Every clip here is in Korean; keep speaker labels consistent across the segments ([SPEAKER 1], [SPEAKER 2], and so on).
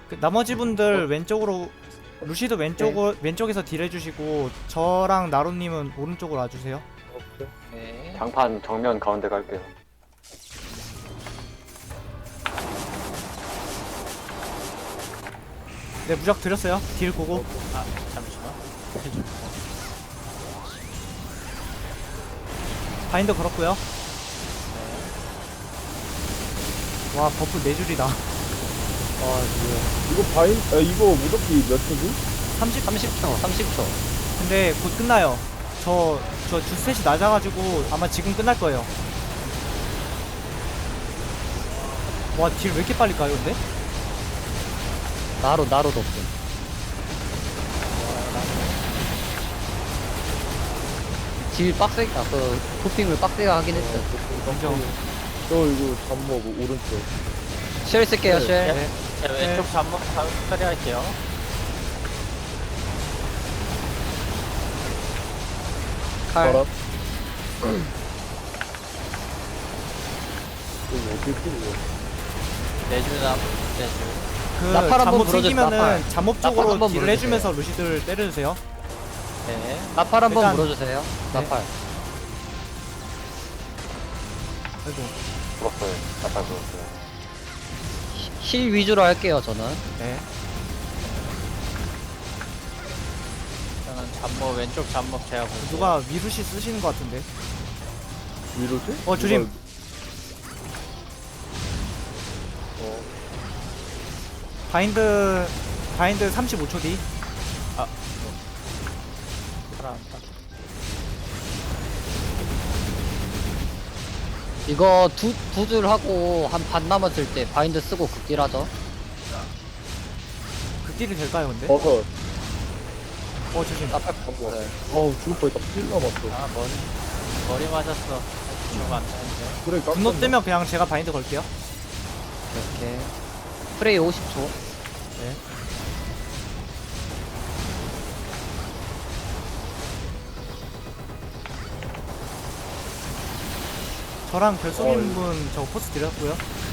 [SPEAKER 1] 그 나머지 분들 왼쪽으로 루시드 왼쪽에서 딜 해주시고 저랑 나로님은 오른쪽으로 와주세요.
[SPEAKER 2] 오케이.
[SPEAKER 3] 네.
[SPEAKER 4] 장판 정면 가운데 갈게요.
[SPEAKER 1] 네 무적 드렸어요. 딜 고고.
[SPEAKER 3] 아 잠시만. 해줘.
[SPEAKER 1] 바인더 걸었고요. 와 버프 4줄이다.
[SPEAKER 2] 아 뭐야. 이거 이거 무적기 몇 초지?
[SPEAKER 3] 30초.
[SPEAKER 1] 근데 곧 끝나요. 저 주셋이 낮아가지고 아마 지금 끝날 거예요. 와 딜 왜 이렇게 빨리 가요 근데?
[SPEAKER 3] 나로도 없음. 딜 빡세게, 도핑을 빡세게 하긴 했어.
[SPEAKER 1] 인정.
[SPEAKER 2] 저 이거 잠먹 오른쪽.
[SPEAKER 3] 쉘 쓸게요, 쉘.
[SPEAKER 1] 네.
[SPEAKER 3] 왼쪽 잠복 처리할게요. 칼.
[SPEAKER 2] 바람. 이거 어떻게 풀고?
[SPEAKER 3] 내주남, 내주.
[SPEAKER 1] 그
[SPEAKER 3] 나팔 한번
[SPEAKER 1] 잠못
[SPEAKER 3] 불어주세요,
[SPEAKER 1] 생기면은
[SPEAKER 3] 나팔.
[SPEAKER 1] 잠못
[SPEAKER 3] 나팔
[SPEAKER 1] 쪽으로
[SPEAKER 3] 한번
[SPEAKER 1] 딜
[SPEAKER 3] 불어주세요.
[SPEAKER 1] 해주면서 루시드를 때려주세요.
[SPEAKER 3] 네. 나팔 한번
[SPEAKER 1] 일단-
[SPEAKER 3] 물어주세요. 나팔.
[SPEAKER 1] 아이고.
[SPEAKER 4] 죽었어요. 나팔 죽었어요.
[SPEAKER 3] 힐 위주로 할게요, 저는.
[SPEAKER 1] 네.
[SPEAKER 5] 저는 잠모 왼쪽 잠목 제가 보고
[SPEAKER 1] 누가 위루시 쓰시는 것 같은데.
[SPEAKER 2] 위로지?
[SPEAKER 1] 조심. 바인드 35초 뒤.
[SPEAKER 5] 살아났다.
[SPEAKER 3] 이거 두 줄 하고 한 반 남았을 때 바인드 쓰고 극딜 하죠.
[SPEAKER 1] 극딜이 될까요 근데?
[SPEAKER 2] 버섯.
[SPEAKER 1] 조심.
[SPEAKER 3] 나팔
[SPEAKER 2] 잠깐만.
[SPEAKER 3] 네.
[SPEAKER 2] 어우 죽을 뻔했다. 필 남았어.
[SPEAKER 5] 아 머리 맞았어. 죽으면 안 되는데.
[SPEAKER 2] 그래 깜짝
[SPEAKER 1] 분노 뜨면 그냥 제가 바인드 걸게요.
[SPEAKER 3] 이렇게. 프레이 50초.
[SPEAKER 1] 네. 저랑 별소님 분 저 포스 드렸고요.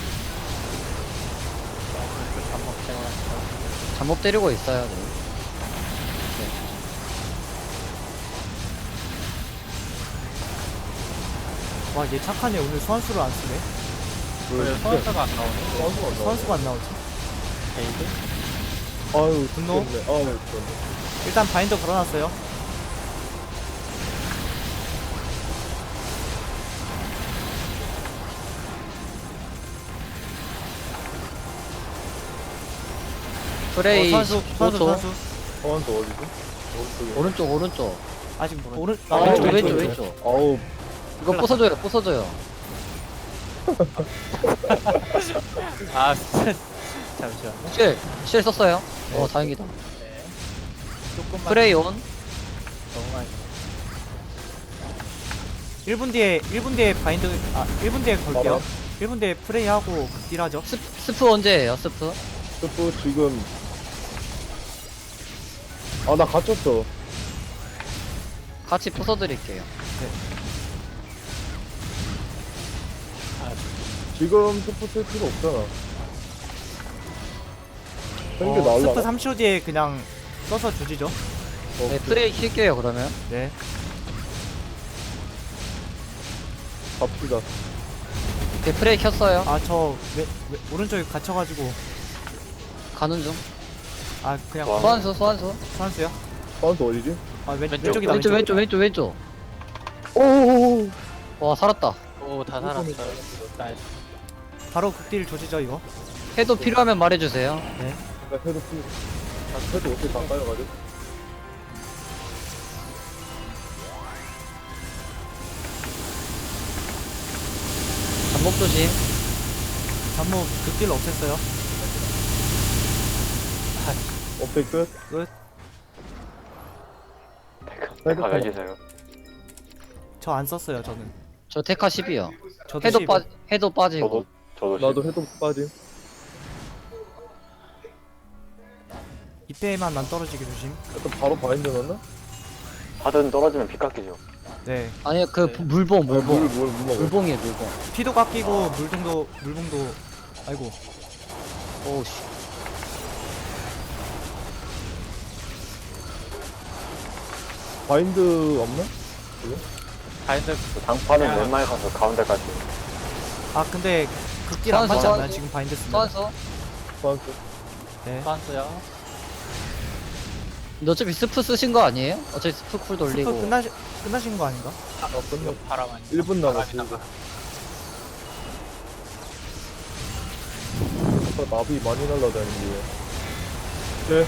[SPEAKER 5] 왼쪽 잠목 제가
[SPEAKER 3] 잠복 때리고 있어요. 네.
[SPEAKER 1] 와 얘 착하네. 오늘 소환수를 안 쓰네.
[SPEAKER 5] 왜 소환사가 안 나오네?
[SPEAKER 1] 소환수가 안 나오지?
[SPEAKER 5] 베이드?
[SPEAKER 2] 아유
[SPEAKER 1] 분노?
[SPEAKER 2] 죽겠네. 아유 죽겠네.
[SPEAKER 1] 일단 바인더 걸어놨어요.
[SPEAKER 3] 프레이
[SPEAKER 1] 소환수
[SPEAKER 3] 5초.
[SPEAKER 2] 소환수 어디지? 오른쪽에.
[SPEAKER 3] 오른쪽.
[SPEAKER 1] 아직 오른
[SPEAKER 3] 왼쪽.
[SPEAKER 2] 아우
[SPEAKER 3] 이거 부숴줘요.
[SPEAKER 5] 아 잠시만요.
[SPEAKER 3] 쉘 썼어요. 다행이다.
[SPEAKER 5] 네. 조금만
[SPEAKER 3] 프레이 온.
[SPEAKER 5] 너무 많이
[SPEAKER 1] 1분 뒤에 바인드 1분 뒤에 걸게요. 1분 뒤에 프레이하고 극딜하죠.
[SPEAKER 3] 스프 언제예요? 스프?
[SPEAKER 2] 스프 지금. 아 나 갇혔어.
[SPEAKER 3] 같이 부숴드릴게요.
[SPEAKER 2] 지금 스프 쓸 필요 없잖아. 생겨 날라.
[SPEAKER 1] 스프 3초 뒤에 그냥 써서 주지죠.
[SPEAKER 3] 네, 프레이 킬게요 그러면.
[SPEAKER 1] 네.
[SPEAKER 2] 갑시다.
[SPEAKER 3] 네, 프레이 켰어요.
[SPEAKER 1] 저 오른쪽에 갇혀가지고
[SPEAKER 3] 가는 중.
[SPEAKER 1] 그냥
[SPEAKER 4] 와.
[SPEAKER 3] 소환수.
[SPEAKER 1] 소환수요?
[SPEAKER 2] 소환수 어디지?
[SPEAKER 1] 왼쪽이다.
[SPEAKER 3] 왼쪽.
[SPEAKER 2] 오오오.
[SPEAKER 3] 와 살았다.
[SPEAKER 5] 오다 살았어요. 나이스.
[SPEAKER 1] 바로 극딜 조지죠 이거.
[SPEAKER 3] 해도 필요하면 말해주세요.
[SPEAKER 2] 나 해도 풀. 나 해도 어떻게 다 까여가지고.
[SPEAKER 3] 잠복 조심.
[SPEAKER 1] 잠무 극딜 없앴어요.
[SPEAKER 2] 업데이 끝.
[SPEAKER 1] 끝.
[SPEAKER 4] 백화 열리세요.
[SPEAKER 1] 저 안 썼어요 저는.
[SPEAKER 3] 저 테카 10이요.
[SPEAKER 1] 저도
[SPEAKER 3] 해도
[SPEAKER 1] 10.
[SPEAKER 3] 해도 빠지고.
[SPEAKER 4] 저도
[SPEAKER 2] 나도 해도 빠짐.
[SPEAKER 1] 이때만 안 떨어지게 조심.
[SPEAKER 2] 일단 바로 바인드 넣나?
[SPEAKER 4] 하든 떨어지면 피 깎이죠.
[SPEAKER 1] 네.
[SPEAKER 3] 아니 물봉.
[SPEAKER 2] 물 먹어.
[SPEAKER 3] 물봉이에요 물봉.
[SPEAKER 1] 피도 깎이고 물봉도 아이고.
[SPEAKER 3] 오우씨.
[SPEAKER 2] 바인드 없나?
[SPEAKER 5] 바인드
[SPEAKER 4] 그 장판은 왼말 가서 가운데까지.
[SPEAKER 1] 아 근데 극딜 안
[SPEAKER 3] 소환수,
[SPEAKER 1] 맞지 않나요?
[SPEAKER 3] 소환수.
[SPEAKER 1] 지금 바인드 쓰면.
[SPEAKER 3] 소환수.
[SPEAKER 2] 소환수.
[SPEAKER 1] 네.
[SPEAKER 5] 소환수요.
[SPEAKER 3] 근데 어차피 스프 쓰신 거 아니에요? 어차피 스프 쿨 돌리고.
[SPEAKER 1] 스프 끝나신 거 아닌가?
[SPEAKER 2] 끝나.
[SPEAKER 5] 바람 아니
[SPEAKER 2] 1분 남았어. 나비 많이 날라다니는데. 네.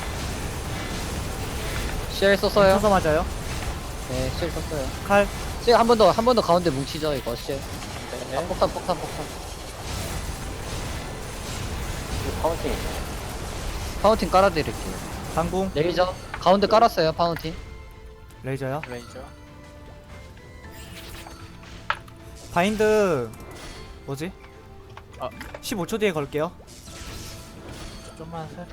[SPEAKER 3] CL 썼어요?
[SPEAKER 1] 쳐서 맞아요.
[SPEAKER 3] 네, CL 썼어요.
[SPEAKER 1] 칼.
[SPEAKER 3] CL 한 번 더 가운데 뭉치죠, 이거, CL. 아,
[SPEAKER 5] 네.
[SPEAKER 3] 폭탄.
[SPEAKER 4] 파운팅.
[SPEAKER 3] 파운틴 깔아드릴게요.
[SPEAKER 1] 강공.
[SPEAKER 3] 레이저. 가운데 깔았어요, 파운틴.
[SPEAKER 1] 레이저요.
[SPEAKER 5] 레이저.
[SPEAKER 1] 바인드 뭐지?
[SPEAKER 5] 아.
[SPEAKER 1] 15초 뒤에 걸게요.
[SPEAKER 5] 좀만 살.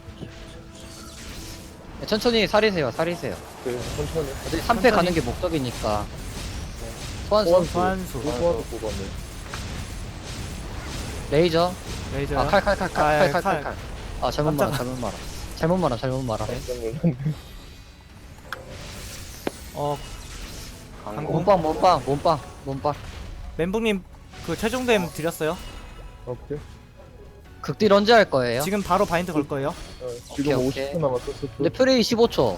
[SPEAKER 3] 네, 천천히 살이세요.
[SPEAKER 2] 네, 천천히.
[SPEAKER 3] 어차피 3패
[SPEAKER 1] 천천히.
[SPEAKER 3] 가는 게 목적이니까. 소환수.
[SPEAKER 1] 소환수.
[SPEAKER 2] 소환수 뽑았네.
[SPEAKER 3] 레이저.
[SPEAKER 1] 레이저요.
[SPEAKER 3] 아, 칼.
[SPEAKER 1] 칼.
[SPEAKER 3] 아, 잘못 말아. 잘못 말아.
[SPEAKER 2] 깜짝 놀랐네.
[SPEAKER 4] 강공.
[SPEAKER 3] 몸빵.
[SPEAKER 1] 멘붕님 그 최종됨 드렸어요.
[SPEAKER 2] 오케이.
[SPEAKER 3] 극딜 언제 할 거예요?
[SPEAKER 1] 지금 바로 바인드 걸 거예요.
[SPEAKER 2] 지금
[SPEAKER 3] 오케이.
[SPEAKER 2] 50분 남았어.
[SPEAKER 3] 근데 프레이 15초.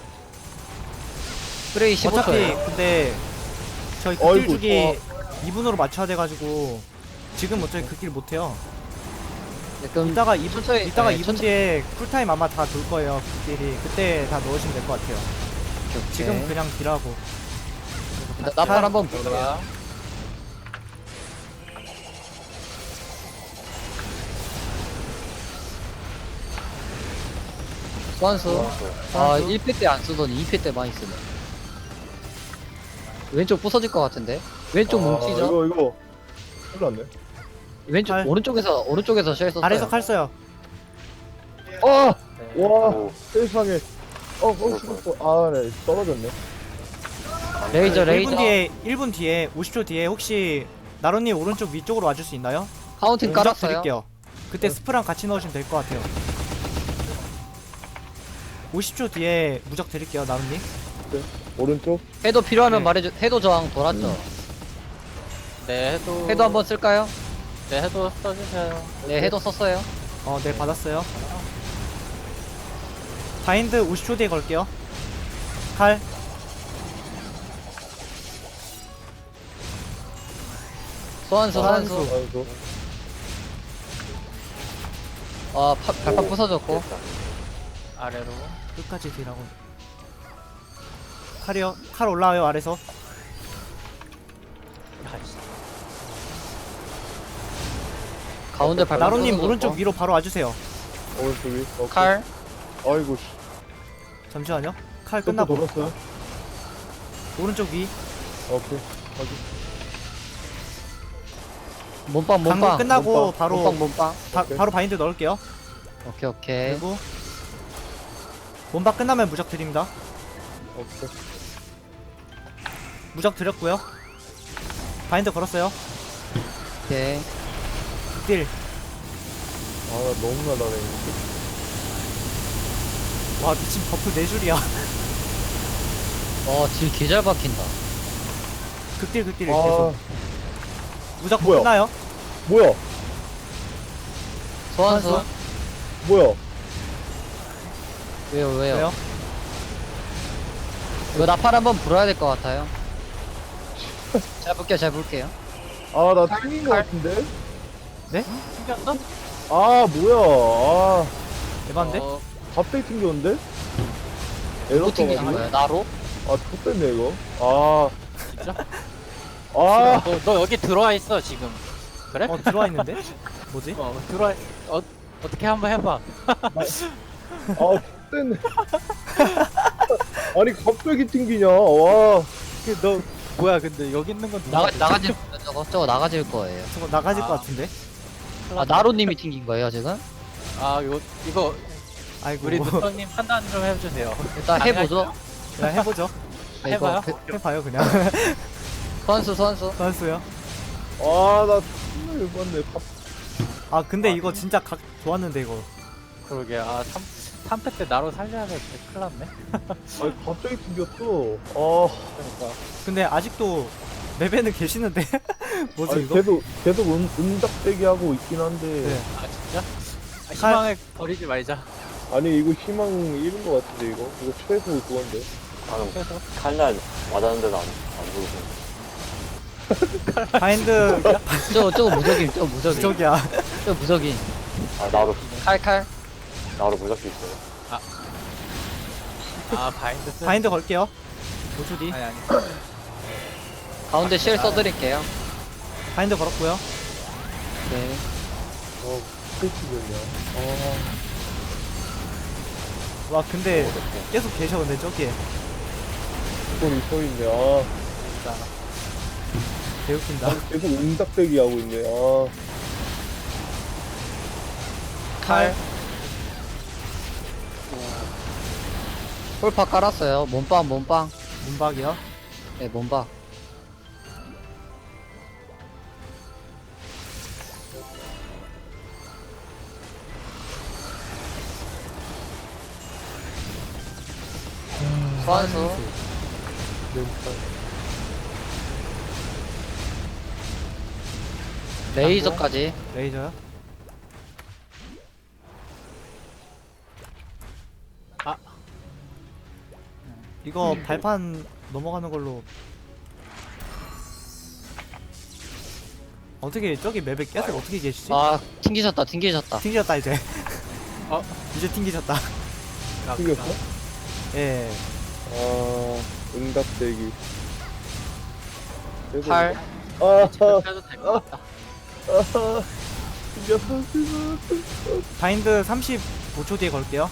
[SPEAKER 3] 프레이 15초예요.
[SPEAKER 1] 어차피 근데 저희 극딜
[SPEAKER 2] 어이구,
[SPEAKER 1] 주기 2분으로 맞춰야 돼가지고 지금 어차피 극딜 못해요.
[SPEAKER 3] 그럼
[SPEAKER 1] 이따가 2분
[SPEAKER 3] 천천히,
[SPEAKER 1] 이따가
[SPEAKER 3] 네,
[SPEAKER 1] 2분
[SPEAKER 3] 천천히.
[SPEAKER 1] 뒤에 쿨타임 아마 다 돌 거예요. 극딜이 그때 다 넣으시면 될 것 같아요. 지금 그냥 딜하고.
[SPEAKER 3] 나팔 한번 볼게요.
[SPEAKER 5] 뭐야?
[SPEAKER 3] 소환수. 아, 1패 때 안 쓰더니 2패 때 많이 쓰네. 왼쪽 부서질 것 같은데? 왼쪽 뭉치죠?
[SPEAKER 2] 이거. 큰일 났네.
[SPEAKER 3] 왼쪽,
[SPEAKER 1] 칼.
[SPEAKER 3] 오른쪽에서 쉘 썼어요.
[SPEAKER 1] 아래서 칼 써요.
[SPEAKER 2] 와,
[SPEAKER 4] 오.
[SPEAKER 2] 세상에. 죽었어. 아, 네, 떨어졌네.
[SPEAKER 3] 레이저.
[SPEAKER 1] 1분 뒤에 50초 뒤에 혹시 나로님 오른쪽 위쪽으로 와줄 수 있나요?
[SPEAKER 3] 파운틴
[SPEAKER 1] 무적
[SPEAKER 3] 깔았어요.
[SPEAKER 1] 드릴게요. 그때 스프랑 같이 넣으시면 될 것 같아요. 50초 뒤에 무적 드릴게요, 나루님.
[SPEAKER 2] 오른쪽.
[SPEAKER 3] 해도 필요하면
[SPEAKER 1] 네.
[SPEAKER 3] 말해줘. 해도 저항 돌았죠?
[SPEAKER 5] 네, 해도.
[SPEAKER 3] 해도 한번 쓸까요?
[SPEAKER 5] 네, 해도 써주세요.
[SPEAKER 3] 네, 해도 썼어요.
[SPEAKER 1] 네, 받았어요. 바인드 50초 뒤에 걸게요. 칼.
[SPEAKER 3] 소환수.
[SPEAKER 2] 아이고.
[SPEAKER 3] 발판 부서졌고.
[SPEAKER 5] 아래로.
[SPEAKER 1] 끝까지 딜하고. 칼이요. 칼 올라와요, 아래서.
[SPEAKER 3] 가운데 발판
[SPEAKER 1] 나로님
[SPEAKER 3] 부서졌고.
[SPEAKER 1] 오른쪽 위로 바로 와주세요.
[SPEAKER 2] 오른쪽 위. 오케이.
[SPEAKER 3] 칼.
[SPEAKER 2] 아이고, 씨.
[SPEAKER 1] 잠시만요. 칼
[SPEAKER 2] 또
[SPEAKER 1] 끝나고.
[SPEAKER 2] 돌았어요?
[SPEAKER 1] 오른쪽 위.
[SPEAKER 2] 오케이. 확인.
[SPEAKER 3] 몸빵.
[SPEAKER 1] 방금 끝나고
[SPEAKER 2] 몸빵,
[SPEAKER 1] 바로
[SPEAKER 3] 몸빵.
[SPEAKER 2] 오케이.
[SPEAKER 1] 바로 바인드 넣을게요.
[SPEAKER 3] 오케이.
[SPEAKER 1] 그리고 몸박 끝나면 무적 드립니다.
[SPEAKER 2] 오케이.
[SPEAKER 1] 무적 드렸고요. 바인드 걸었어요.
[SPEAKER 3] 오케이.
[SPEAKER 1] 딜.
[SPEAKER 2] 아, 나 너무 날라네.
[SPEAKER 1] 와 미친 버프 4줄이야.
[SPEAKER 3] 딜 개잘 박힌다.
[SPEAKER 1] 극딜
[SPEAKER 2] 아,
[SPEAKER 1] 계속. 무적
[SPEAKER 2] 뭐야?
[SPEAKER 1] 끝나요.
[SPEAKER 2] 뭐야?
[SPEAKER 3] 소환수.
[SPEAKER 2] 뭐야?
[SPEAKER 3] 왜요?
[SPEAKER 1] 왜요?
[SPEAKER 3] 이거 나팔 한번 불어야 될 것 같아요. 잘 볼게요.
[SPEAKER 2] 아, 나 튕긴 거 같은데?
[SPEAKER 5] 튕겼어?
[SPEAKER 2] 아, 뭐야? 아,
[SPEAKER 1] 에반데?
[SPEAKER 2] 갑자기 튕겼는데? 에러
[SPEAKER 3] 뭐 튕기신
[SPEAKER 2] 떠가지고?
[SPEAKER 3] 거예요? 나로?
[SPEAKER 2] 아, X됐네, 이거. 아.
[SPEAKER 5] 진짜?
[SPEAKER 2] 아,
[SPEAKER 5] 너 여기 들어와 있어, 지금. 그래?
[SPEAKER 1] 들어와 있는데? 뭐지?
[SPEAKER 5] 들어와, 어떻게 한번 해봐.
[SPEAKER 2] 아, X됐네. 아니, 갑자기 튕기냐, 와.
[SPEAKER 5] 너, 뭐야, 근데 여기 있는 건
[SPEAKER 3] 나가질 저거 나가질 거예요.
[SPEAKER 1] 저거 나가질
[SPEAKER 5] 아.
[SPEAKER 1] 것 같은데?
[SPEAKER 3] 나로님이 튕긴 거예요 지금?
[SPEAKER 5] 이거,
[SPEAKER 1] 아이고.
[SPEAKER 5] 우리 누터님 판단 좀 해주세요.
[SPEAKER 3] 일단 해보죠.
[SPEAKER 1] 그냥 해보죠.
[SPEAKER 3] 네, 이거
[SPEAKER 5] 해봐요.
[SPEAKER 1] 해봐요 그냥.
[SPEAKER 3] 소환수.
[SPEAKER 1] 선수요.
[SPEAKER 2] 아, 나 정말 열받네.
[SPEAKER 1] 아 근데 이거 진짜 각 좋았는데 이거.
[SPEAKER 5] 그러게, 아, 3패 때 나로 살려야 될 때 큰일 났네.
[SPEAKER 2] 아니 갑자기 튕겼어. 아,
[SPEAKER 5] 그러니까.
[SPEAKER 1] 근데 아직도 맵에는 계시는데 뭐지
[SPEAKER 2] 아니
[SPEAKER 1] 이거?
[SPEAKER 2] 계속 은작대기 하고 있긴 한데.
[SPEAKER 1] 네.
[SPEAKER 5] 아, 진짜? 아, 희망을 버리지 말자.
[SPEAKER 2] 아니 이거 희망 잃은 것 같은데 이거 최소 그건데.
[SPEAKER 4] 나는
[SPEAKER 5] 그래서
[SPEAKER 4] 칼날 맞았는데도 안 죽으시네.
[SPEAKER 1] 바인드
[SPEAKER 3] 저거 무적임, 저거 무적임.
[SPEAKER 1] 저기야.
[SPEAKER 3] 저거 무적임.
[SPEAKER 4] 아, 나도
[SPEAKER 3] 칼.
[SPEAKER 4] 무적기 있어요.
[SPEAKER 5] 아, 바인드 쓰.
[SPEAKER 1] 바인드 걸게요. 5초 뒤.
[SPEAKER 5] 아니.
[SPEAKER 3] 가운데 실 써드릴게요.
[SPEAKER 1] 바인드 걸었고요.
[SPEAKER 3] 네.
[SPEAKER 2] 스테이지군요.
[SPEAKER 1] 와 근데 계속 계셔 근데 저기에
[SPEAKER 2] 이걸 서 있네. 아,
[SPEAKER 1] 개웃긴다.
[SPEAKER 2] 계속 은작대기 하고 있네. 아,
[SPEAKER 1] 칼.
[SPEAKER 3] 홀파 깔았어요. 몸빵.
[SPEAKER 1] 문박이요.
[SPEAKER 3] 네, 몸박. 소환수.
[SPEAKER 2] 멘탈.
[SPEAKER 3] 레이저까지.
[SPEAKER 1] 레이저요.
[SPEAKER 5] 아.
[SPEAKER 1] 이거 발판 넘어가는 걸로 어떻게 저기 맵에 계속 어떻게 계시지?
[SPEAKER 3] 아, 튕기셨다.
[SPEAKER 1] 튕기셨다 이제. 이제 튕기셨다.
[SPEAKER 2] 튕겼어?
[SPEAKER 1] 예.
[SPEAKER 2] 아, 은작대기. 계속-
[SPEAKER 3] 칼.
[SPEAKER 2] 아,
[SPEAKER 5] 해도 될 것 같다.
[SPEAKER 2] 튕겼어.
[SPEAKER 1] 바인드 35초 뒤에 걸게요.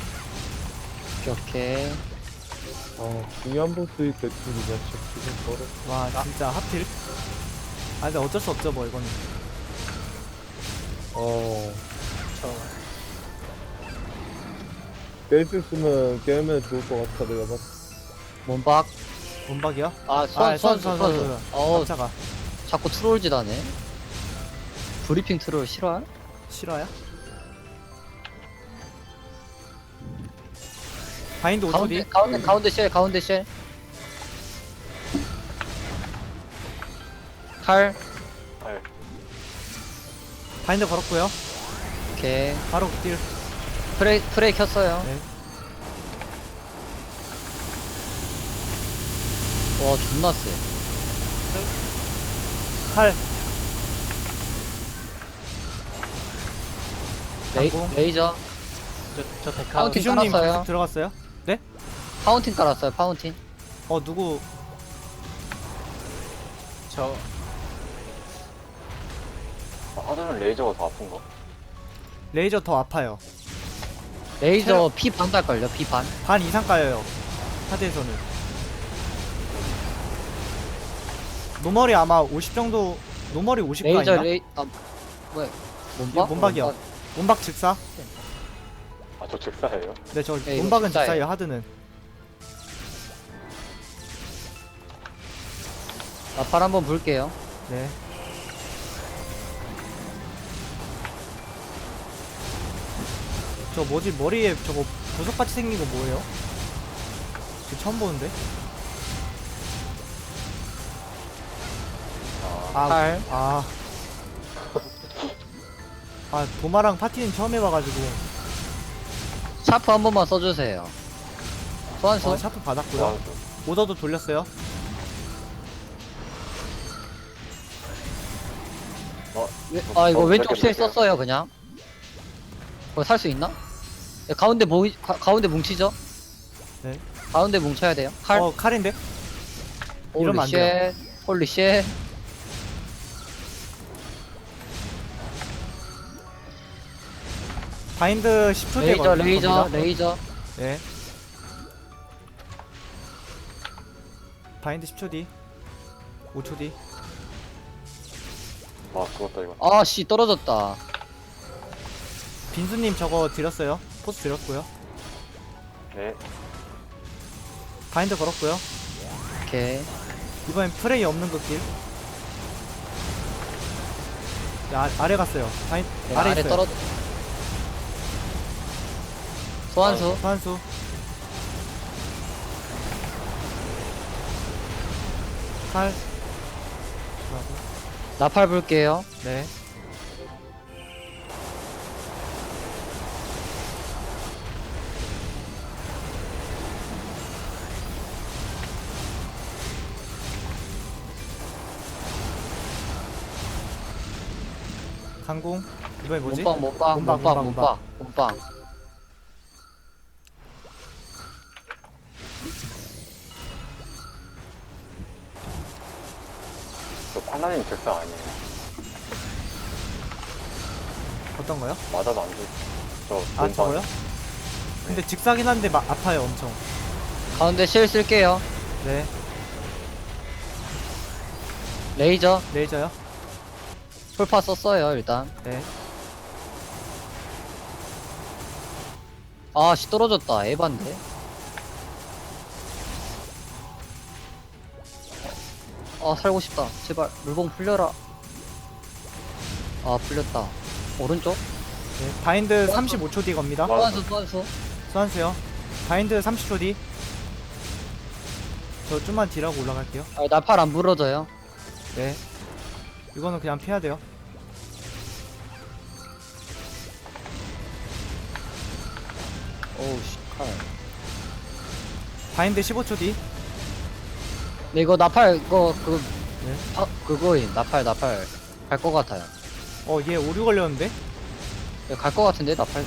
[SPEAKER 3] 오케이.
[SPEAKER 2] 아, 중요한 보스일 때 그냥 지금 걸어.
[SPEAKER 1] 와 진짜 하필. 아 근데 어쩔 수 없죠 뭐 이거는.
[SPEAKER 2] 뺄수 있으면 깨면 좋을 것 같아, 내가 봤을
[SPEAKER 3] 몸박.
[SPEAKER 1] 문박이요?
[SPEAKER 3] 아, 소환수. 어우,
[SPEAKER 1] 깜짝아.
[SPEAKER 3] 자꾸 트롤짓 하네. 브리핑 트롤 싫어요?
[SPEAKER 1] 싫어요? 바인드 5초 뒤.
[SPEAKER 3] 가운데 쉘. 칼.
[SPEAKER 4] 칼.
[SPEAKER 1] 바인드 걸었고요.
[SPEAKER 3] 오케이.
[SPEAKER 1] 바로 딜.
[SPEAKER 3] 프레이 켰어요.
[SPEAKER 1] 네.
[SPEAKER 3] 와, 존나 세.
[SPEAKER 1] 칼. 방공.
[SPEAKER 3] 레이저.
[SPEAKER 5] 저 데카.
[SPEAKER 3] 파운틴
[SPEAKER 1] 비숍님
[SPEAKER 3] 깔았어요.
[SPEAKER 1] 계속 들어갔어요?
[SPEAKER 3] 파운틴 깔았어요, 파운틴.
[SPEAKER 1] 누구?
[SPEAKER 5] 저
[SPEAKER 4] 하드는 레이저가 더 아픈가?
[SPEAKER 1] 레이저 더 아파요.
[SPEAKER 3] 레이저 피 반 달걸요, 피 반.
[SPEAKER 1] 반 이상 까여요. 하드에서는. 노멀이 아마 50 정도. 노멀이 50
[SPEAKER 3] 레이저
[SPEAKER 1] 까있나?
[SPEAKER 3] 뭐야?
[SPEAKER 1] 이거
[SPEAKER 3] 몸박?
[SPEAKER 1] 몸박이요. 몸박 즉사?
[SPEAKER 4] 아, 저 즉사예요?
[SPEAKER 1] 네, 저
[SPEAKER 3] 네, 이거
[SPEAKER 1] 몸박은
[SPEAKER 3] 즉사예요.
[SPEAKER 1] 즉사예요. 하드는.
[SPEAKER 3] 나팔 한번 볼게요.
[SPEAKER 1] 네. 저 뭐지 머리에 저거 보석같이 생긴 거 뭐예요? 저 처음 보는데?
[SPEAKER 3] 칼.
[SPEAKER 1] 도마랑 파티는 처음 해봐가지고.
[SPEAKER 3] 샤프 한 번만 써주세요. 소환수.
[SPEAKER 1] 샤프 받았고요.
[SPEAKER 4] 소환수.
[SPEAKER 1] 오더도 돌렸어요.
[SPEAKER 3] 아, 이거 왼쪽
[SPEAKER 4] 저렇게
[SPEAKER 3] 실
[SPEAKER 4] 볼게요.
[SPEAKER 3] 썼어요, 그냥. 그거 살 수 있나? 네, 가운데 뭉치죠?
[SPEAKER 1] 네.
[SPEAKER 3] 가운데 뭉쳐야 돼요. 칼.
[SPEAKER 1] 칼인데? 이러면 안 돼요.
[SPEAKER 3] 홀리 쉣.
[SPEAKER 1] 바인드 10초 뒤에
[SPEAKER 3] 레이저.
[SPEAKER 1] 네. 바인드 10초 뒤. 5초 뒤.
[SPEAKER 4] 아, 죽었다, 이거.
[SPEAKER 3] 아, 씨, 떨어졌다.
[SPEAKER 1] 빈수님 저거 드렸어요. 포스 드렸고요.
[SPEAKER 4] 네.
[SPEAKER 1] 바인드 걸었고요.
[SPEAKER 3] 오케이.
[SPEAKER 1] 이번엔 프레이 없는 그 길. 네, 아래 갔어요.
[SPEAKER 3] 네,
[SPEAKER 1] 아래
[SPEAKER 3] 아래
[SPEAKER 1] 있어요.
[SPEAKER 3] 떨어져. 소환수.
[SPEAKER 1] 소환수. 칼. 들어가고.
[SPEAKER 3] 나팔 불게요.
[SPEAKER 1] 네. 강공. 이번에 뭐지?
[SPEAKER 3] 몸빵. 몸빵.
[SPEAKER 4] 저 팔라딘 즉사 아니에요.
[SPEAKER 1] 어떤 거요?
[SPEAKER 4] 맞아도 안 돼. 저
[SPEAKER 1] 아
[SPEAKER 4] 몸빵.
[SPEAKER 1] 저거요? 근데 직사긴 한데 아파요 엄청.
[SPEAKER 3] 가운데 실 쓸게요.
[SPEAKER 1] 네.
[SPEAKER 3] 레이저.
[SPEAKER 1] 레이저요?
[SPEAKER 3] 풀파 썼어요, 일단.
[SPEAKER 1] 네.
[SPEAKER 3] 아, 씨, 떨어졌다. 에반데. 아, 살고 싶다. 제발, 물봉 풀려라. 아, 풀렸다. 오른쪽?
[SPEAKER 1] 네. 바인드 35초 뒤 겁니다.
[SPEAKER 3] 소환수.
[SPEAKER 1] 소환수요. 바인드 30초 뒤. 저 좀만 딜하고 올라갈게요.
[SPEAKER 3] 아, 나팔 안 부러져요.
[SPEAKER 1] 네. 이거는 그냥 피해야 돼요.
[SPEAKER 3] 오우, 씨, 칼.
[SPEAKER 1] 바인드 15초 뒤.
[SPEAKER 3] 네, 이거 나팔,
[SPEAKER 1] 네.
[SPEAKER 3] 그거임. 나팔. 갈 것 같아요.
[SPEAKER 1] 얘 오류 걸렸는데?
[SPEAKER 3] 갈 것 같은데, 나팔.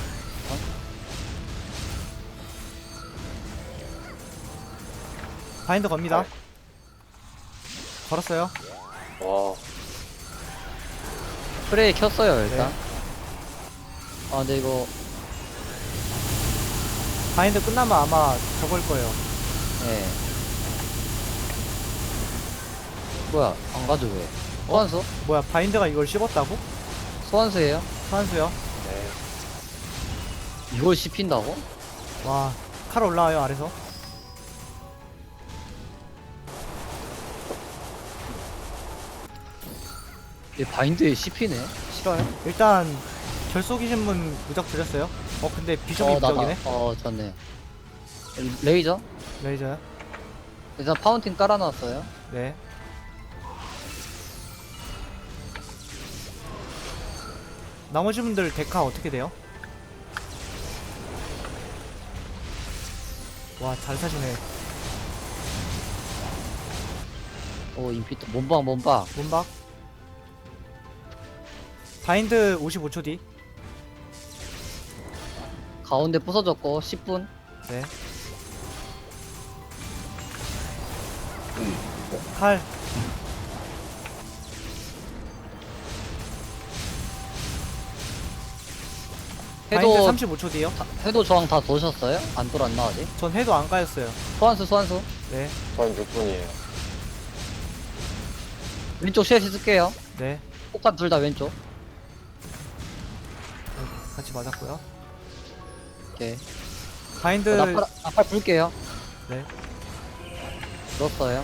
[SPEAKER 1] 바인드 겁니다.
[SPEAKER 4] 네.
[SPEAKER 1] 걸었어요.
[SPEAKER 4] 와,
[SPEAKER 3] 프레이 켰어요, 일단.
[SPEAKER 1] 네.
[SPEAKER 3] 아, 근데 이거,
[SPEAKER 1] 바인드 끝나면 아마 저걸 거예요.
[SPEAKER 3] 예. 뭐야, 안 가도 왜? 소환수?
[SPEAKER 1] 뭐야, 바인드가 이걸 씹었다고?
[SPEAKER 3] 소환수예요?
[SPEAKER 1] 소환수요.
[SPEAKER 4] 네.
[SPEAKER 3] 이걸 씹힌다고?
[SPEAKER 1] 와, 칼 올라와요, 아래서.
[SPEAKER 3] 얘 바인드에 씹히네? 싫어요?
[SPEAKER 1] 일단, 결속이신 분 무적 드렸어요. 근데 비숍이 무적이네.
[SPEAKER 3] 졌네. 레이저?
[SPEAKER 1] 레이저요.
[SPEAKER 3] 일단 파운틴 깔아놨어요.
[SPEAKER 1] 네. 나머지 분들 데카 어떻게 돼요? 와, 잘 사시네.
[SPEAKER 3] 오, 인피트. 몸방.
[SPEAKER 1] 문박. 바인드 55초 뒤.
[SPEAKER 3] 가운데 부서졌고, 10분.
[SPEAKER 1] 네. 칼. 바인드
[SPEAKER 3] 해도,
[SPEAKER 1] 35초 뒤요.
[SPEAKER 3] 해도 저항 다 도셨어요? 안 돌았나, 아직?
[SPEAKER 1] 전 해도 안 까였어요.
[SPEAKER 3] 소환수.
[SPEAKER 1] 네.
[SPEAKER 4] 전 6분이에요.
[SPEAKER 3] 왼쪽 쉘시 쓸게요.
[SPEAKER 1] 네.
[SPEAKER 3] 폭탄 둘 다 왼쪽.
[SPEAKER 1] 같이 맞았고요.
[SPEAKER 3] 오케이.
[SPEAKER 1] 바인드.
[SPEAKER 3] 나팔 불게요.
[SPEAKER 1] 네.
[SPEAKER 3] 넣었어요.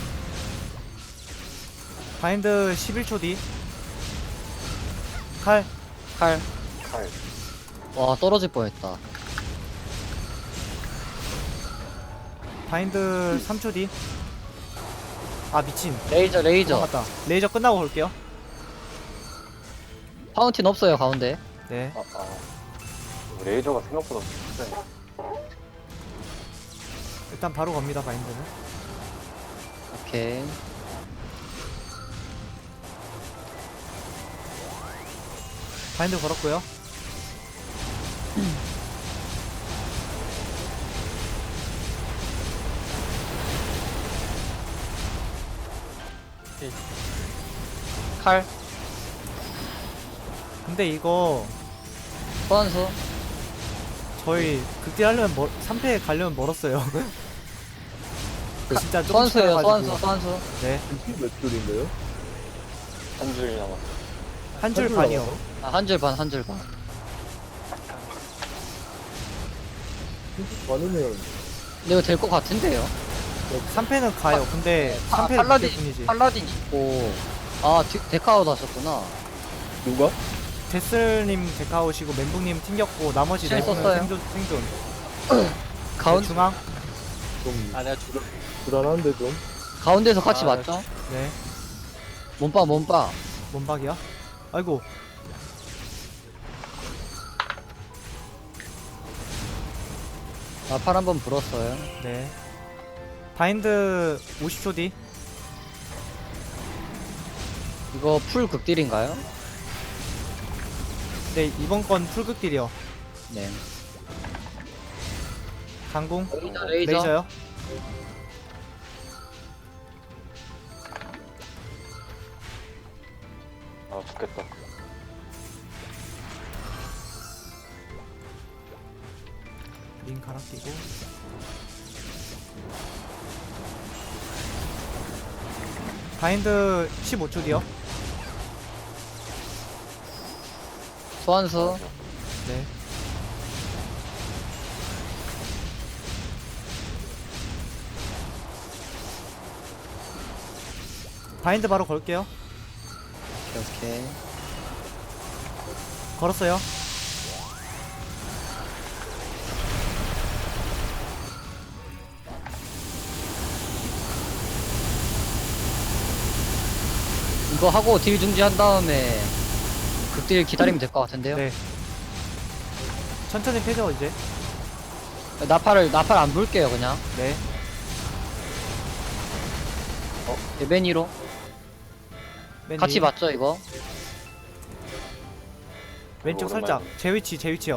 [SPEAKER 1] 바인드 11초 뒤. 칼.
[SPEAKER 3] 칼.
[SPEAKER 4] 칼.
[SPEAKER 3] 와, 떨어질 뻔했다.
[SPEAKER 1] 바인드 3초 뒤. 아, 미친.
[SPEAKER 3] 레이저.
[SPEAKER 1] 맞다. 레이저 끝나고 볼게요.
[SPEAKER 3] 파운틴 없어요, 가운데.
[SPEAKER 1] 네.
[SPEAKER 4] 레이저가 생각보다 세네.
[SPEAKER 1] 일단 바로 갑니다, 바인드는.
[SPEAKER 3] 오케이.
[SPEAKER 1] 바인드 걸었고요.
[SPEAKER 3] 칼.
[SPEAKER 1] 근데 이거
[SPEAKER 3] 소환수.
[SPEAKER 1] 저희 극딜 하려면 3패 가려면 멀었어요. 진짜 조금
[SPEAKER 3] 소환수예요,
[SPEAKER 1] 시달려가지고.
[SPEAKER 3] 소환수.
[SPEAKER 1] 네.
[SPEAKER 2] 몇 줄인가요?
[SPEAKER 4] 한 줄 남았어.
[SPEAKER 1] 한 줄
[SPEAKER 2] 줄
[SPEAKER 1] 반이요.
[SPEAKER 2] 남았어?
[SPEAKER 3] 아, 한 줄 반.
[SPEAKER 2] 많으면
[SPEAKER 3] 근데 이거 될 것 같은데요?
[SPEAKER 1] 3패는 가요. 근데
[SPEAKER 3] 아,
[SPEAKER 1] 3패는
[SPEAKER 3] 팔라딘,
[SPEAKER 1] 뿐이지.
[SPEAKER 3] 팔라딘 있고. 아, 데카아웃 하셨구나.
[SPEAKER 2] 누가?
[SPEAKER 1] 데슬님 데카오시고 멘붕님 튕겼고 나머지
[SPEAKER 3] 실
[SPEAKER 1] 4분은
[SPEAKER 3] 썼어요.
[SPEAKER 1] 생존.
[SPEAKER 3] 가운
[SPEAKER 1] 중앙.
[SPEAKER 2] 좀
[SPEAKER 5] 아 내가
[SPEAKER 2] 불안한데 좀.
[SPEAKER 3] 가운데서 같이
[SPEAKER 5] 아,
[SPEAKER 3] 맞죠?
[SPEAKER 1] 네.
[SPEAKER 3] 몸빠 몸빠.
[SPEAKER 1] 몸박이야. 아이고.
[SPEAKER 3] 나팔 한번 불었어요.
[SPEAKER 1] 네. 바인드 50초 뒤.
[SPEAKER 3] 이거 풀 극딜인가요?
[SPEAKER 1] 네, 이번 건 풀극딜이요.
[SPEAKER 3] 네.
[SPEAKER 1] 강공.
[SPEAKER 3] 레이저.
[SPEAKER 1] 레이저요.
[SPEAKER 4] 아, 죽겠다.
[SPEAKER 1] 링 갈아 끼고. 바인드 15초 뒤요.
[SPEAKER 3] 소환수.
[SPEAKER 1] 네. 바인드 바로 걸게요.
[SPEAKER 3] 오케이.
[SPEAKER 1] 걸었어요.
[SPEAKER 3] 이거 하고 딜 중지한 다음에 극딜 기다리면 될 것 같은데요?
[SPEAKER 1] 네. 천천히 패죠 이제.
[SPEAKER 3] 나팔 안 불게요 그냥.
[SPEAKER 1] 네.
[SPEAKER 3] 매니로
[SPEAKER 1] 맨
[SPEAKER 3] 같이
[SPEAKER 1] 위.
[SPEAKER 3] 맞죠 이거?
[SPEAKER 1] 왼쪽
[SPEAKER 4] 오랜만에
[SPEAKER 1] 살짝. 제 위치요.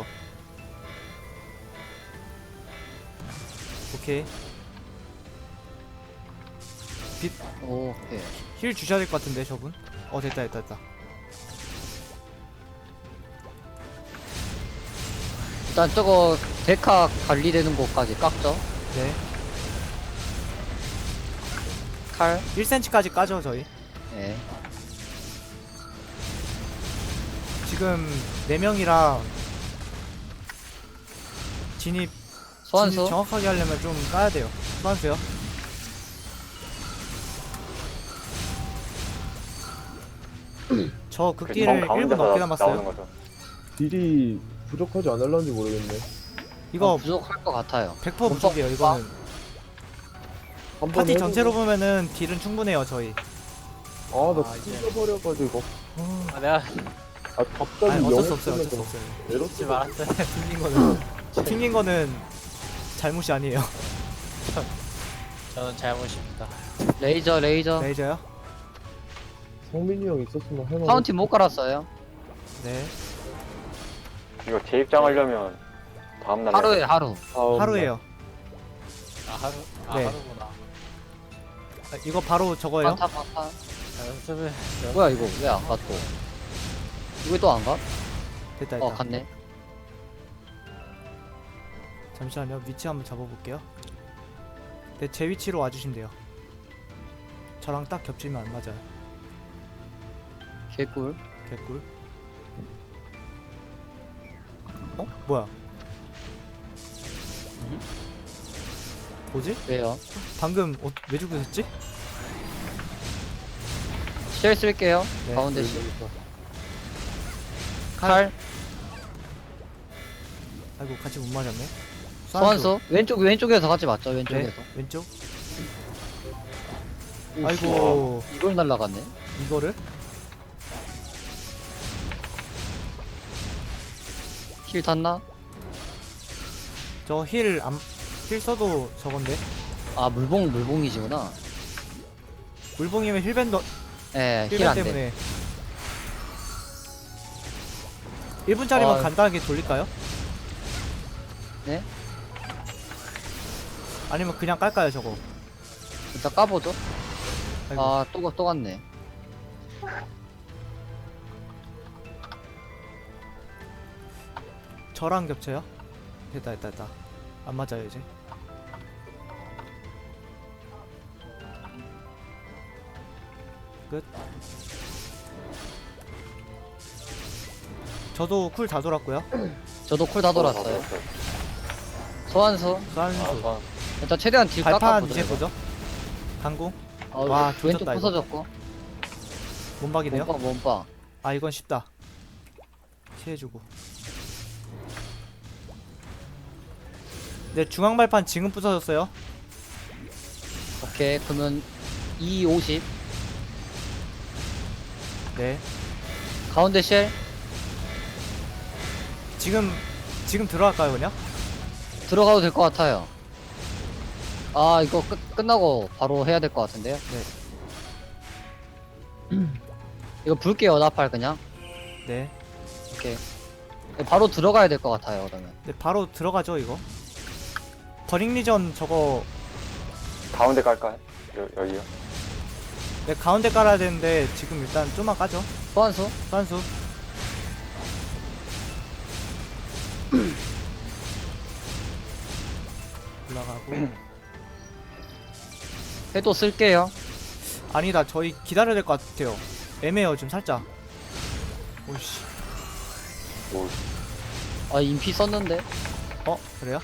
[SPEAKER 1] 오케이.
[SPEAKER 3] 오케이.
[SPEAKER 1] 힐 주셔야 될 것 같은데 저분. 됐다.
[SPEAKER 3] 일단 저거 데카 관리되는 곳까지 깎죠.
[SPEAKER 1] 네.
[SPEAKER 3] 칼.
[SPEAKER 1] 1cm까지 까죠 저희.
[SPEAKER 3] 네.
[SPEAKER 1] 지금 4명이라 진입
[SPEAKER 3] 소환수.
[SPEAKER 1] 정확하게 하려면 좀 까야 돼요. 소환수요. 저
[SPEAKER 4] 그
[SPEAKER 1] 극딜을 1분 넘게
[SPEAKER 4] 나오는
[SPEAKER 1] 남았어요.
[SPEAKER 4] 거죠.
[SPEAKER 2] 딜이 부족하지 않을런지 모르겠네.
[SPEAKER 1] 이거
[SPEAKER 3] 부족할 것 같아요.
[SPEAKER 1] 100% 부족이에요 이거는.
[SPEAKER 2] 한번
[SPEAKER 1] 파티
[SPEAKER 2] 해보고-
[SPEAKER 1] 전체로 보면은 딜은 충분해요 저희.
[SPEAKER 2] 나
[SPEAKER 5] 아, 이제-
[SPEAKER 2] 찢어버려가지고.
[SPEAKER 5] 아 내가
[SPEAKER 2] 갑자기
[SPEAKER 1] 아니 어쩔 수 없어요.
[SPEAKER 2] 영을
[SPEAKER 1] 어쩔 수 없어요.
[SPEAKER 2] 에러
[SPEAKER 5] 죽지 말았어요.
[SPEAKER 1] 튕긴 거는 잘못이 아니에요.
[SPEAKER 5] 저는 잘못입니다.
[SPEAKER 3] 레이저.
[SPEAKER 1] 레이저요?
[SPEAKER 2] 성민이 형 있었으면 할만해.
[SPEAKER 3] 파운틴 못 깔았어요.
[SPEAKER 1] 네.
[SPEAKER 4] 이거 재입장하려면 다음날
[SPEAKER 3] 하루에 하루.
[SPEAKER 1] 하루에요.
[SPEAKER 5] 하루?
[SPEAKER 1] 네.
[SPEAKER 5] 하루구나.
[SPEAKER 1] 이거 바로 저거예요.
[SPEAKER 3] 파타.
[SPEAKER 5] 연습을
[SPEAKER 3] 뭐야 이거 왜 안 가 또? 이거 또 안 가?
[SPEAKER 1] 됐다.
[SPEAKER 3] 갔네.
[SPEAKER 1] 잠시만요. 위치 한번 잡아볼게요. 네, 제 위치로 와주시면 돼요. 저랑 딱 겹치면 안 맞아요.
[SPEAKER 3] 개꿀.
[SPEAKER 1] 개꿀. 뭐야? 뭐지?
[SPEAKER 3] 왜요?
[SPEAKER 1] 방금 왜 죽으셨지?
[SPEAKER 3] 쉘 쓸게요.
[SPEAKER 1] 네.
[SPEAKER 3] 가운데 쉘. 칼.
[SPEAKER 1] 아이고 같이 못 맞았네.
[SPEAKER 3] 소환수. 왼쪽에서 같이 맞죠.
[SPEAKER 1] 네,
[SPEAKER 3] 왼쪽에서.
[SPEAKER 1] 왼쪽.
[SPEAKER 3] 오,
[SPEAKER 1] 아이고
[SPEAKER 3] 이걸 날라갔네.
[SPEAKER 1] 이거를?
[SPEAKER 3] 힐 탔나?
[SPEAKER 1] 저 힐 써도 저건데.
[SPEAKER 3] 아 물봉이지구나.
[SPEAKER 1] 물봉이면 힐밴더
[SPEAKER 3] 예, 힐
[SPEAKER 1] 힐밴
[SPEAKER 3] 안 돼.
[SPEAKER 1] 때문에 1분짜리만
[SPEAKER 3] 아.
[SPEAKER 1] 간단하게 돌릴까요?
[SPEAKER 3] 네?
[SPEAKER 1] 아니면 그냥 깔까요 저거?
[SPEAKER 3] 일단 까보죠.
[SPEAKER 1] 아이고.
[SPEAKER 3] 아, 또 갔네.
[SPEAKER 1] 저랑 겹쳐요? 됐다. 안 맞아요 이제. 끝. 저도 쿨 다 돌았고요.
[SPEAKER 3] 저도 쿨 다 돌았어요. 소환수.
[SPEAKER 1] 소환수.
[SPEAKER 3] 일단 최대한 딜
[SPEAKER 1] 발판
[SPEAKER 3] 깎아보죠.
[SPEAKER 1] 이제
[SPEAKER 3] 이거.
[SPEAKER 1] 보죠. 강공.
[SPEAKER 3] 와,
[SPEAKER 1] 와,
[SPEAKER 3] 왼쪽
[SPEAKER 1] 조졌다, 이거.
[SPEAKER 3] 부서졌고.
[SPEAKER 1] 몸박이네요.
[SPEAKER 3] 몸빵.
[SPEAKER 1] 아 이건 쉽다. 피해주고. 네, 중앙 발판 지금 부서졌어요.
[SPEAKER 3] 오케이 그러면 250
[SPEAKER 1] 네,
[SPEAKER 3] 가운데 쉘
[SPEAKER 1] 지금 들어갈까요 그냥?
[SPEAKER 3] 들어가도 될 것 같아요. 아 이거 끝나고 바로 해야 될 것 같은데요.
[SPEAKER 1] 네.
[SPEAKER 3] 이거 불게요 나팔 그냥.
[SPEAKER 1] 네,
[SPEAKER 3] 오케이 바로 들어가야 될 것 같아요 그러면.
[SPEAKER 1] 네 바로 들어가죠 이거. 버링 리전 저거
[SPEAKER 4] 가운데 깔까요? 여기요?
[SPEAKER 1] 네 가운데 깔아야 되는데 지금 일단 좀만 까죠.
[SPEAKER 3] 소환수
[SPEAKER 1] 선수. 올라가고.
[SPEAKER 3] 해도 쓸게요.
[SPEAKER 1] 아니다, 저희 기다려야 될 것 같아요. 애매해요 지금 살짝. 오씨.
[SPEAKER 4] 오,
[SPEAKER 3] 아 인피 썼는데
[SPEAKER 1] 그래요?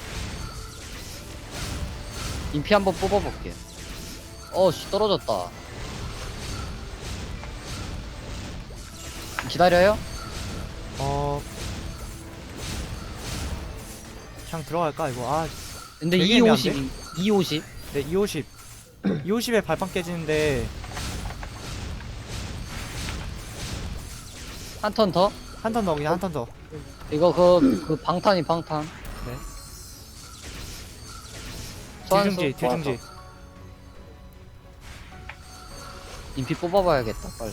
[SPEAKER 3] 인피 한번 뽑아볼게. 어씨 떨어졌다. 기다려요?
[SPEAKER 1] 그냥 들어갈까 이거. 아,
[SPEAKER 3] 근데
[SPEAKER 1] 되게
[SPEAKER 3] 250 250
[SPEAKER 1] 네 250. 250에 발판 깨지는데
[SPEAKER 3] 한 턴 더?
[SPEAKER 1] 한 턴 더, 그냥 한 턴 더.
[SPEAKER 3] 이거 그 방탄이 방탄.
[SPEAKER 1] 네.
[SPEAKER 3] 소환수
[SPEAKER 1] 딜중지, 딜중지.
[SPEAKER 3] 인피 뽑아봐야겠다 빨리.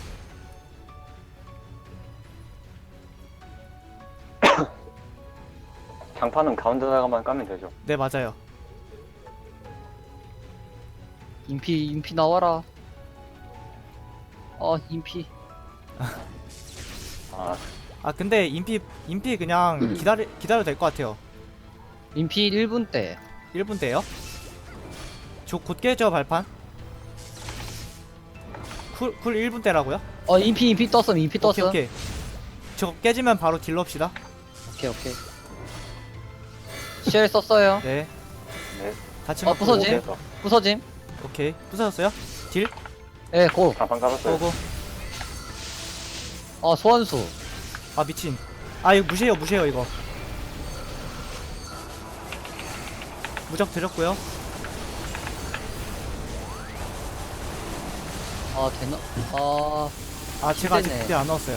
[SPEAKER 4] 장판은 가운데다가만 까면 되죠.
[SPEAKER 1] 네 맞아요.
[SPEAKER 3] 인피 나와라. 인피.
[SPEAKER 4] 아,
[SPEAKER 1] 아 근데 인피 그냥 기다려도 될 것 같아요.
[SPEAKER 3] 인피 1분 때.
[SPEAKER 1] 1분 때요? 저 곧 깨죠 발판? 쿨 1분 때라고요?
[SPEAKER 3] 인피 떴어. 인피 떴어.
[SPEAKER 1] 오케이 오케이. 저거 깨지면 바로 딜러 합시다.
[SPEAKER 3] 오케이. 쉘 썼어요.
[SPEAKER 1] 네.
[SPEAKER 4] 네.
[SPEAKER 1] 같이
[SPEAKER 3] 어,
[SPEAKER 1] 맞고.
[SPEAKER 3] 부서지?
[SPEAKER 4] 그래서
[SPEAKER 3] 부서짐.
[SPEAKER 1] 오케이. 부서졌어요? 딜?
[SPEAKER 3] 예, 고.
[SPEAKER 4] 장판 깔았어요.
[SPEAKER 1] 고고.
[SPEAKER 3] 소환수.
[SPEAKER 1] 아 미친. 아 이거 무시해요 이거. 무적 드렸고요.
[SPEAKER 3] 되나?
[SPEAKER 1] 아 제가 아직
[SPEAKER 3] 힘드네.
[SPEAKER 1] 딜 안 넣었어요.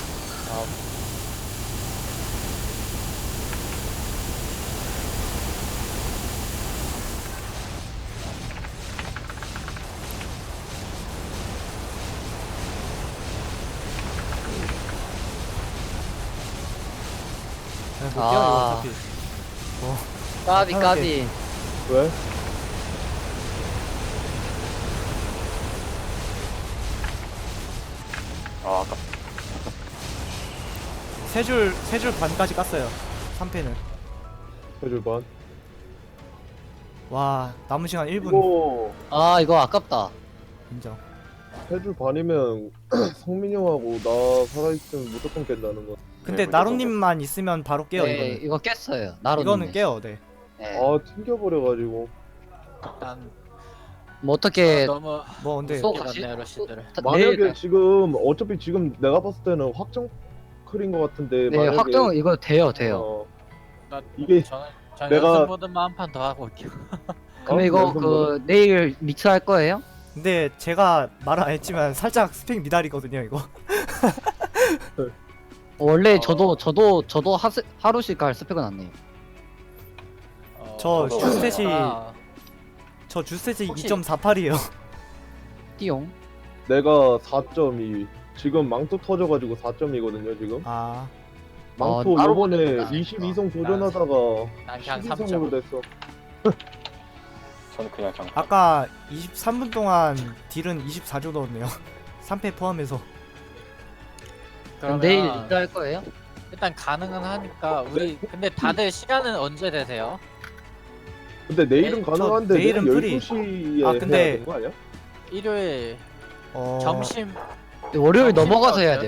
[SPEAKER 1] 네, 못 깨요 이거 어차피.
[SPEAKER 3] 까비.
[SPEAKER 2] 왜?
[SPEAKER 4] 아, 아까
[SPEAKER 1] 세 줄 반까지 깠어요. 3패는.
[SPEAKER 2] 해줄 반.
[SPEAKER 1] 와 남은 시간 1분.
[SPEAKER 2] 이거
[SPEAKER 3] 이거 아깝다.
[SPEAKER 1] 인정.
[SPEAKER 2] 해줄 반이면 성민이 형하고 나 살아있으면 무조건 깬다는 거.
[SPEAKER 1] 근데
[SPEAKER 4] 네,
[SPEAKER 1] 나루님만 있으면 바로 깨요
[SPEAKER 3] 네,
[SPEAKER 1] 이거는.
[SPEAKER 3] 이거 깼어요. 나로.
[SPEAKER 1] 이거는 깨요. 네.
[SPEAKER 3] 네.
[SPEAKER 2] 튕겨버려가지고.
[SPEAKER 5] 난
[SPEAKER 3] 뭐 어떻게
[SPEAKER 5] 너무
[SPEAKER 1] 뭐 근데
[SPEAKER 3] 소
[SPEAKER 5] 이렇게 러시들을.
[SPEAKER 2] 만약에 지금 어차피 지금 내가 봤을 때는 확정 클인 것 같은데.
[SPEAKER 3] 네,
[SPEAKER 2] 만약에
[SPEAKER 3] 확정 이거 돼요.
[SPEAKER 2] 어, 이게
[SPEAKER 5] 저는
[SPEAKER 2] 내가-
[SPEAKER 5] 연습 모드만 한 판 더 하고 올게요.
[SPEAKER 3] 그럼 이거
[SPEAKER 2] 연습 모드?
[SPEAKER 3] 내일 믹스 할 거예요?
[SPEAKER 1] 근데 제가 말 안 했지만 살짝 스펙 미달이거든요 이거.
[SPEAKER 3] 원래 저도 하루씩 갈 스펙은 안 내요.
[SPEAKER 1] 저
[SPEAKER 4] 저도
[SPEAKER 1] 주스탯이
[SPEAKER 5] 아,
[SPEAKER 1] 저 주스탯이
[SPEAKER 5] 혹시-
[SPEAKER 1] 2.48이에요.
[SPEAKER 3] 띠용.
[SPEAKER 2] 내가 4.2. 지금 망토 터져가지고 4.2거든요 지금.
[SPEAKER 1] 아
[SPEAKER 2] 망토
[SPEAKER 3] 따로
[SPEAKER 2] 요번에
[SPEAKER 3] 보내구나.
[SPEAKER 2] 22성 도전하다가
[SPEAKER 5] 난 그냥
[SPEAKER 2] 12성으로
[SPEAKER 5] 3점.
[SPEAKER 2] 됐어.
[SPEAKER 4] 저는 그냥 장판.
[SPEAKER 1] 아까 23분 동안 딜은 24조 넣었네요. 3패 포함해서.
[SPEAKER 3] 그럼 내일 믹스 할 거예요?
[SPEAKER 5] 일단 가능은 하니까 우리 근데 다들 시간은 언제 되세요?
[SPEAKER 2] 근데 내일은
[SPEAKER 1] 저
[SPEAKER 2] 가능한데
[SPEAKER 1] 내일은
[SPEAKER 2] 내일
[SPEAKER 1] 프리.
[SPEAKER 2] 12시에
[SPEAKER 1] 아, 근데-
[SPEAKER 2] 해야 되는 거 아니야?
[SPEAKER 5] 일요일 점심
[SPEAKER 3] 월요일
[SPEAKER 5] 점심
[SPEAKER 3] 넘어가서 해야
[SPEAKER 5] 어때요?
[SPEAKER 3] 돼요.